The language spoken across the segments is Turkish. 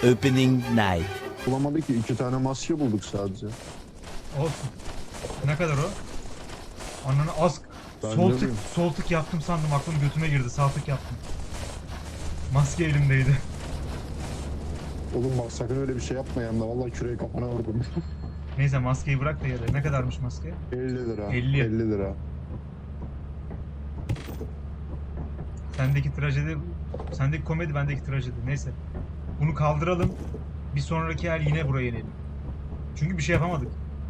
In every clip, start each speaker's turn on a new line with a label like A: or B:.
A: opening night.
B: Bulamadık ki 2 tane maske bulduk sadece.
C: Olsun. Ne kadar o? Ananı az.
B: Ben
C: Sol
B: de
C: tık,
B: miyim?
C: sol tık yaptım sandım, aklım götüme girdi, sağ tık yaptım. Maske elimdeydi.
B: Oğlum bak sakın öyle bir şey yapma yanında. Vallahi küreği kafana vurdum.
C: Neyse maskeyi bırak da yere. Ne kadarmış maske?
B: 50 lira.
C: 50.
B: 50 lira.
C: Sendeki trajedi, sendeki komedi, bendeki trajedi. Neyse. Bunu kaldıralım. Bir sonraki el yine buraya inelim. Çünkü bir şey yapamadık.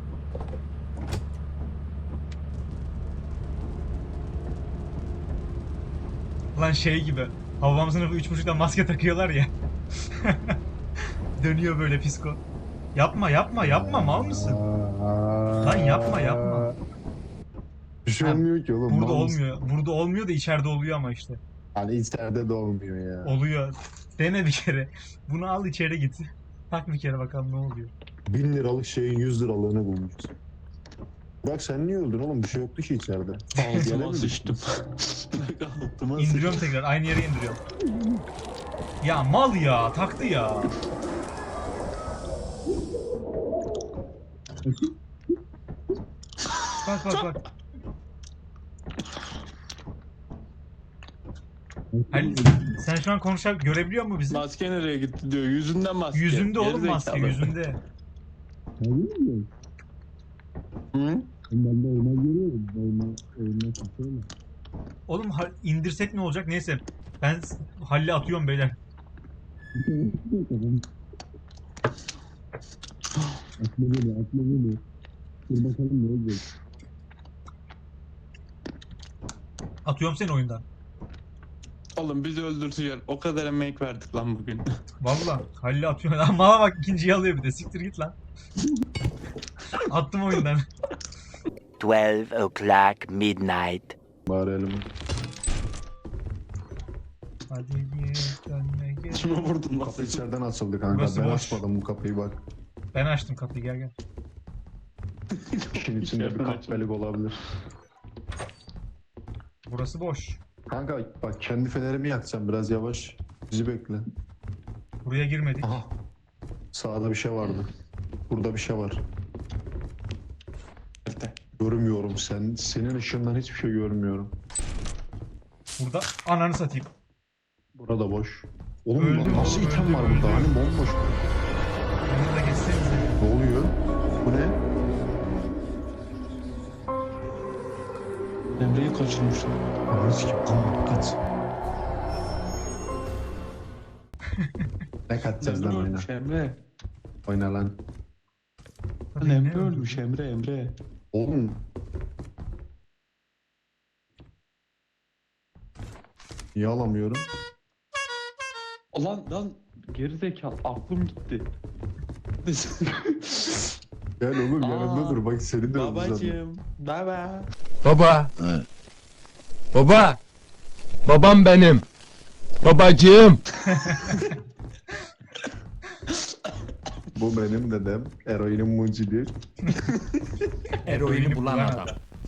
C: Lan şey gibi. Havam sınıfı 3.5'da maske takıyorlar ya. Dönüyor böyle psiko. Yapma yapma yapma, mal mısın? Lan yapma yapma.
B: Bir şey
C: Ha,
B: olmuyor ki oğlum.
C: Burada
B: mal mısın?
C: olmuyor. Burada olmuyor da içeride oluyor ama işte.
B: Hani içeride de olmuyor ya.
C: Oluyor. Dene bir kere. Bunu al içeri git. Tak bir kere bakalım ne oluyor.
B: 1000 liralık şeyin 100 liralığını bulmuş. Bak sen niye öldün oğlum? Bir şey yoktu ki içeride. Yere
D: Altıma
B: mi
D: sıçtım. Altıma
C: İndiriyorum tekrar. Aynı yere indiriyorum. Ya mal ya. Taktı ya. Bak bak bak. Halil, sen şu an konuşarak görebiliyor musun bizi?
D: Maske nereye gitti diyor. Yüzünden maske.
C: Yüzünde oğlum
D: Gerizekalı.
C: maske, yüzünde.
D: Hı?
C: Oğlum indirsek ne olacak? Neyse. Ben Halil'e atıyorum beyler. Atıyorum seni oyundan.
D: Oğlum bizi öldürtecek. O kadar emek verdik lan bugün.
C: Valla Halil'e atıyorum. Lan bana bak, ikinciyi alıyor bir de. Siktir git lan. Attım oyundan.
A: 12 o'clock midnight.
B: Bari elimi.
C: Hadi git önüne git.
D: Kime vurdun lan?
B: Kapı içeriden açıldı kanka.
C: Burası
B: Ben
C: boş.
B: açmadım bu kapıyı bak.
C: Ben açtım kapıyı, gel gel.
B: İşin içinde bir kahpelik olabilir.
C: Burası boş.
B: Kanka bak kendi fenerimi yakacağım biraz yavaş. Bizi bekle.
C: Buraya girmedik.
B: Aha. Sağda bir şey vardı. Burada bir şey var.
D: Nerede?
B: Görmüyorum sen. Senin ışığından hiçbir şey görmüyorum.
C: Burada ananı satayım.
B: Burada boş. Oğlum
C: Öldü,
B: nasıl
C: öldü,
B: item var
C: öldü,
B: burada?
C: öldü.
B: Hani bomboş.
C: Bunu da geçsenize.
B: Ne oluyor? Bu ne?
D: Emre'yi kaçırmışlar.
B: Ananı sikeyim. Aman kaç. Ne kaçacağız lan
D: Emre
B: oyna?
D: ölmüş Emre.
B: Oyna lan.
D: Lan
C: Tabii ne
D: Emre
C: öldü?
D: ölmüş Emre.
B: Oğlum. Niye alamıyorum?
D: Lan gerizekalı aklım gitti.
B: Gel oğlum
D: Aa,
B: yanımda dur. Bak seni de öldüreceğim.
D: Babacığım. Baba.
E: Baba. Baba. Babam benim. Babacığım.
B: Bu benim dedem. Eroinin mucidi.
C: Eroini bulan adam.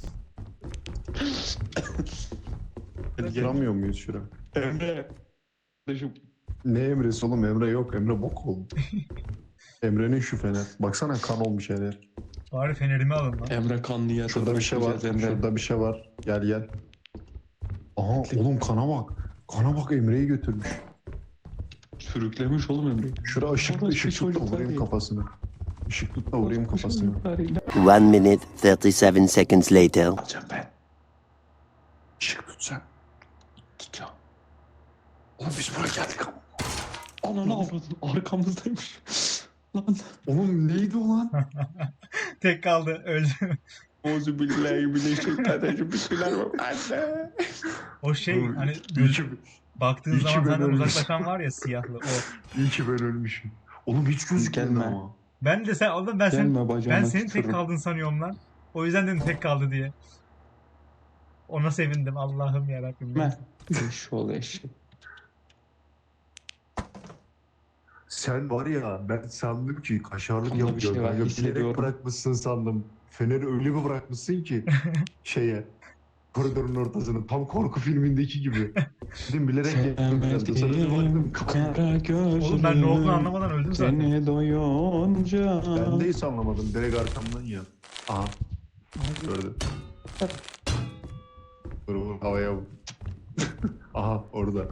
B: Duramıyor muyuz şura?
D: Emre. Kardeşim.
B: Ne Emre'si oğlum? Emre yok. Emre bok oldu. Emre'nin şu fener. Baksana kan olmuş her yer.
C: Bari fenerimi alın lan.
D: Emre kanlı yatağa
B: Şurada bir şey var.
D: düşeceğiz Emre.
B: Şurada bir şey var. Gel gel. Aha oğlum kana bak. Kana bak Emre'yi götürmüş.
D: Sürüklemiş oğlum Emre'yi.
B: Şura ışık
D: Orası
B: ışık tut da
D: çocuklar
B: vurayım
D: değil.
B: kafasını. Işık tut da vurayım kafasını.
A: 1 minute 37 seconds later.
D: Alacağım ben.
B: Işık tut sen.
D: Tutacağım.
B: Oğlum biz buraya geldik ama.
D: Ananı avradın arkamızdaymış. Lan.
B: Oğlum neydi o lan?
C: Tek kaldı, öldü.
D: Ozu billahi bileşeklerden bir şeyler var. Anne.
C: O şey
B: Oğlum,
C: hani
B: iyi ki,
C: baktığın
B: iyi ki
C: zaman
B: ben
C: senden
B: ölmüşüm.
C: uzaklaşan var ya, siyahlı o.
B: iyi ki ben ölmüşüm. Oğlum hiç gözükmedi
D: Gelme.
B: ama.
C: Ben de sen oğlum, ben
D: Gelme bacağıma
C: ben senin tek
D: tükürürüm.
C: kaldın sanıyorum lan. O yüzden dedim tek kaldı diye. Ona sevindim, Allah'ım yarabbim.
D: Gelme. Eşşoğlu eşek.
B: Sen var ya ben sandım ki kaşarlık
D: Bunda bir
B: yapıyor.
D: şey var,
B: Bilerek
D: hissediyorum.
B: bırakmışsın sandım. Feneri öyle bir bırakmışsın ki şeye. Koridorun ortasını. Tam korku filmindeki gibi. Dedim bilerek yaptım herhalde. Sonra bir baktım.
D: Kara gözlüm.
C: Oğlum ben ne olduğunu anlamadan öldüm zaten.
D: Seni doyunca.
B: Ben de hiç anlamadım. Direkt arkamdan ya. Aha. Gördüm. Dur havaya vur. Aha orada.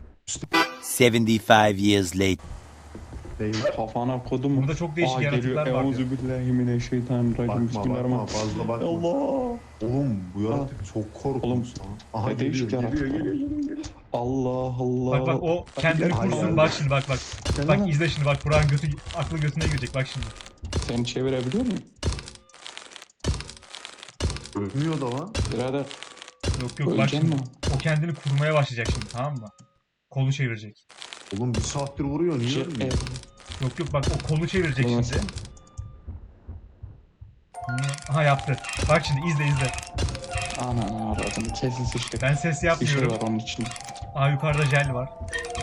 A: 75 years later.
B: Eyvah.
D: Kafana kodum.
C: Burada çok değişik yaratıklar var diyor.
D: Euzubillahimineşşeytanirracim.
B: Bakma bakma
D: Bismillahirrahmanirrahim.
B: fazla bakma.
D: Allah.
B: Oğlum bu yaratık çok korkunç
D: Oğlum,
B: lan. Aha
D: ne
B: geliyor
D: değişik
B: geliyor
D: yaratık.
B: geliyor.
D: Allah Allah.
C: Bak bak o kendini
B: Hayır.
C: kursun. Bak şimdi bak bak.
B: Gel
C: Bak
B: lan.
C: izle şimdi bak. Burak'ın götü, aklı götüne girecek bak şimdi.
D: Seni çevirebiliyor muyum?
B: Ölmüyor da lan.
D: Birader.
C: Yok yok bak
D: Öleceksin
C: şimdi.
D: mi?
C: O kendini kurmaya başlayacak şimdi, tamam mı? Kolu çevirecek.
B: Oğlum bir saattir vuruyor niye ölmüyor?
C: Yok yok bak o kolu çevirecek
D: Ulan
C: şimdi. Aha yaptı. Bak şimdi izle izle.
D: Ana avradını kesin sıçtı.
C: Ben ses
D: Bir şey
C: yapmıyorum.
D: var onun için.
C: Aa yukarıda jel var.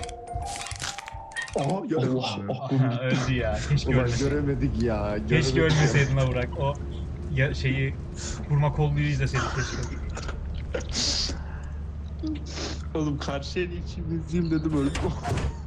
B: Aha
D: Allah
B: Allah.
C: Aha, öldü ya. Keşke
B: Ulan
C: ölmeseydin.
B: göremedik ya.
C: Keşke
B: göremedik.
C: ölmeseydin la Burak. O ya, şeyi kurma kolluyu izleseydik keşke.
D: Oğlum karşıya geçeyim izleyeyim dedim öldüm.